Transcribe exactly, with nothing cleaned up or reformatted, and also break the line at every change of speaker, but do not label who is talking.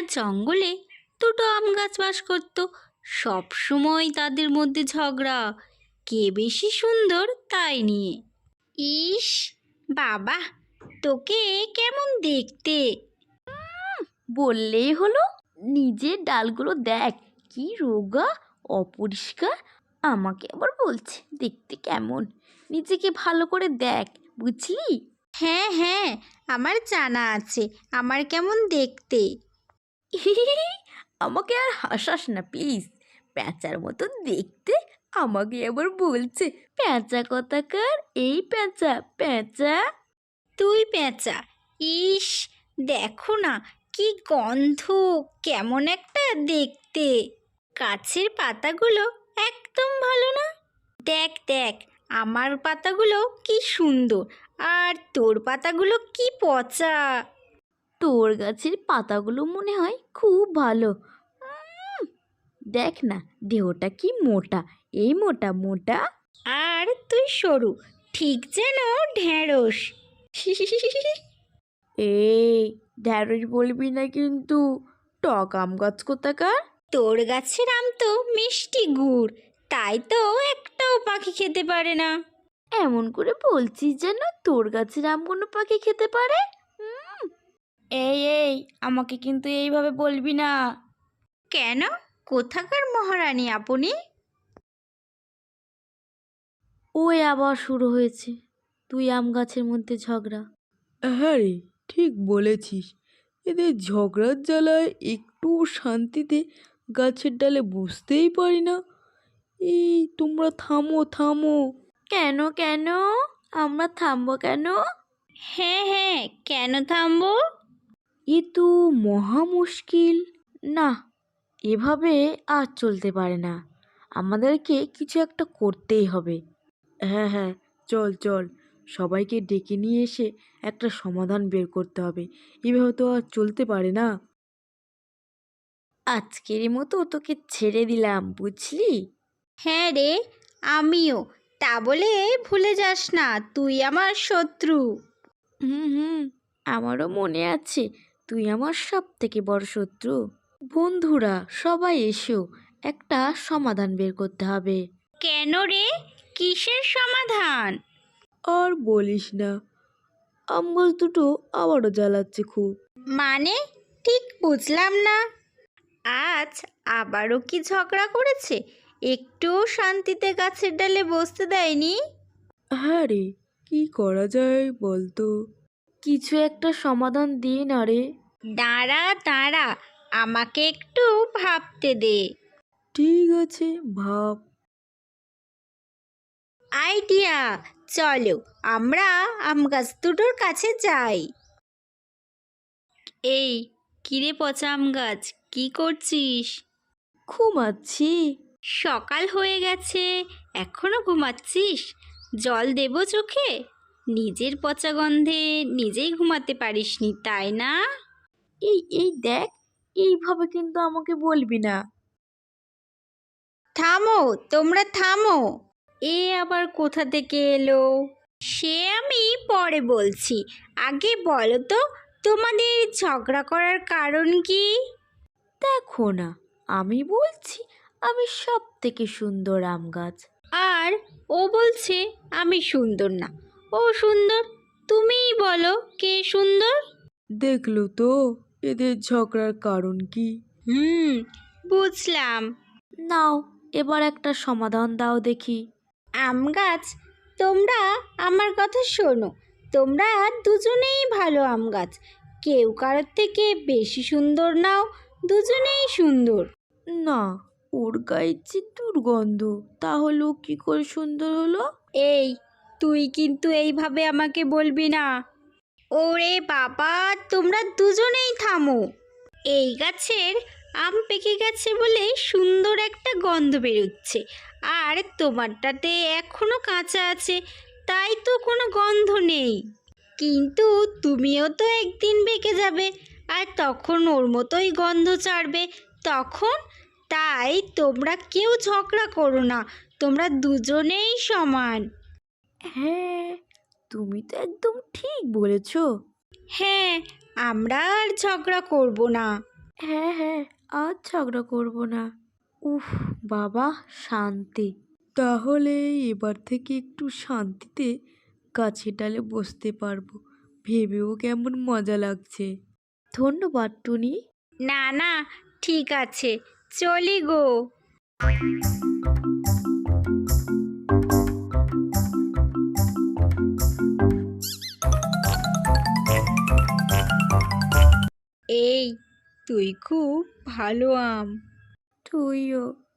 জঙ্গলে দুটো আম গাছ বাস করত। সব সময় তাদের মধ্যে ঝগড়া, কে বেশি সুন্দর তাই নিয়ে। ইস বাবা, তোকে কেমন দেখতে!
বললেই হলো, নিজের ডালগুলো দেখ কি রোগা, অপরিষ্কার। আমাকে আবার বলছে দেখতে কেমন। নিজেকে ভালো করে দেখ, বুঝলি?
হ্যাঁ হ্যাঁ, আমার জানা আছে আমার কেমন দেখতে।
আমাকে আর হাসাস না প্লিজ। প্যাঁচার মতো দেখতে, আমাকে আবার বলছে প্যাঁচা কথাকার। এই প্যাঁচা প্যাঁচা।
তুই পেঁচা? ইস দেখো না কি গন্ধ, কেমন একটা দেখতে। গাছের পাতাগুলো একদম ভালো না। দেখ দেখ, আমার পাতাগুলো কি সুন্দর, আর তোর পাতাগুলো কি পচা।
তোর গাছের পাতাগুলো মনে হয় খুব ভালো। উম, দেখ না দেহটা কি মোটা, এই মোটা মোটা।
আর তুই সরু, ঠিক যেন ঢেঁড়স।
এই ঢ্যাঁড়স বলবি না কিন্তু, টক আম গাছ কোথাকার।
তোর গাছের আম তো মিষ্টি গুড়, তাই তো একটাও পাখি খেতে পারে না।
এমন করে বলছিস যেন তোর গাছের আম কোনো পাখি খেতে পারে। হুম, এই এই আমাকে কিন্তু এইভাবে বলবি না।
কেন? কোথাকার মহারানী আপনি?
ওই আবার শুরু হয়েছে তুই আম গাছের মধ্যে ঝগড়া।
হ্যাঁ রে, ঠিক বলেছিস। এদের ঝগড়ার জ্বালায় একটু শান্তিতে গাছের ডালে বসতেই পারি না। এই তোমরা থামো থামো।
কেন কেন আমরা থামবো কেন?
হ্যাঁ হ্যাঁ, কেন থামবো?
এ তো মহা মুশকিল। না, এভাবে আর চলতে পারে না। আমাদেরকে কিছু একটা করতেই হবে।
হ্যাঁ হ্যাঁ, চল চল, সবাইকে ডেকে নিয়ে এসে একটা সমাধান বের করতে হবে। এভাবে তো আর চলতে পারে না।
আজকের মতো তোকে ছেড়ে দিলাম, বুঝলি?
হ্যাঁ রে, আমিও। তা বলে ভুলে যাস না তুই আমার শত্রু।
হুম হুম, আমারও মনে আছে তুই আমার সব থেকে বড় শত্রু। বন্ধুরা সবাই এসো, একটা সমাধান বের করতে হবে।
কেন রে, কিসের সমাধান?
আর বলিস না, আম গাছ দুটো আবারও জ্বালাচ্ছে খুব।
মানে ঠিক বুঝলাম না। আজ আবারও কি ঝগড়া করেছে? একটুও শান্তিতে গাছের ডালে বসতে দেয়নি।
হ্যাঁ রে, কি করা যায় বলতো?
কিছু একটা সমাধান দিয়ে না রে।
দাঁড়া দাঁড়া, আমাকে একটু ভাবতে দে।
ঠিক আছে, ভাব।
আইডিয়া! চলো আমরা আম গাছ দুটোর কাছে যাই। এই কিরে পচা আম গাছ, কি করছিস?
ঘুমাচ্ছি।
সকাল হয়ে গেছে, এখনো ঘুমাচ্ছিস? জল দেবো চোখে? নিজের পচা গন্ধে নিজেই ঘুমাতে পারিসনি তাই না?
এই এই দেখ, এইভাবে কিন্তু আমাকে বলবি না।
থামো, তোমরা থামো। এ আবার কোথা থেকে এলো? সে আমি পরে বলছি, আগে বলো তো তোমাদের ঝগড়া করার কারণ কি?
দেখো না, আমি বলছি আমি সব থেকে সুন্দর আম গাছ।
আর ও বলছে আমি সুন্দর না, ও সুন্দর। তুমিই বলো কে সুন্দর।
দেখলো তো এদের ঝগড়ার কারণ কি?
হুম, বুঝলাম।
নাও এবার একটা সমাধান দাও দেখি।
আম গাছ, তোমরা আমার কথা শোনো। তোমরা দুজনেই ভালো আম গাছ, কেউ কারোর থেকে বেশি সুন্দর নাও, দুজনেই সুন্দর।
না, ওর গায়ে যে দুর্গন্ধ, তাহলে ও কি করে সুন্দর হলো?
এই তুই কিন্তু এইভাবে আমাকে বলবি না। ওরে বাবা, তোমরা দুজনেই থামো। এই গাছের আম পেকে গেছে বলে সুন্দর একটা গন্ধ বেরোচ্ছে, আর তোমারটাতে এখনো কাঁচা আছে, তাই তো কোনো গন্ধ নেই। কিন্তু তুমিও তো একদিন পেকে যাবে, আর তখন ওর মতোই গন্ধ ছাড়বে তখন। তাই তোমরা কেউ ঝগড়া করো না, তোমরা দুজনেই সমান।
হ্যাঁ, তুমি তো একদম ঠিক বলেছ।
হ্যাঁ, আমরা আর ঝগড়া করব না।
হ্যাঁ হ্যাঁ, আর ঝগড়া করব না। উফ বাবা, শান্তি।
তাহলে এবার থেকে একটু শান্তিতে গাছের ডালে বসতে পারবো, ভেবেও কেমন মজা লাগছে।
ধন্যবাদ টুনি।
না না, ঠিক আছে, চলি গো। এই, তুই খুব ভালো আম।
তুইও।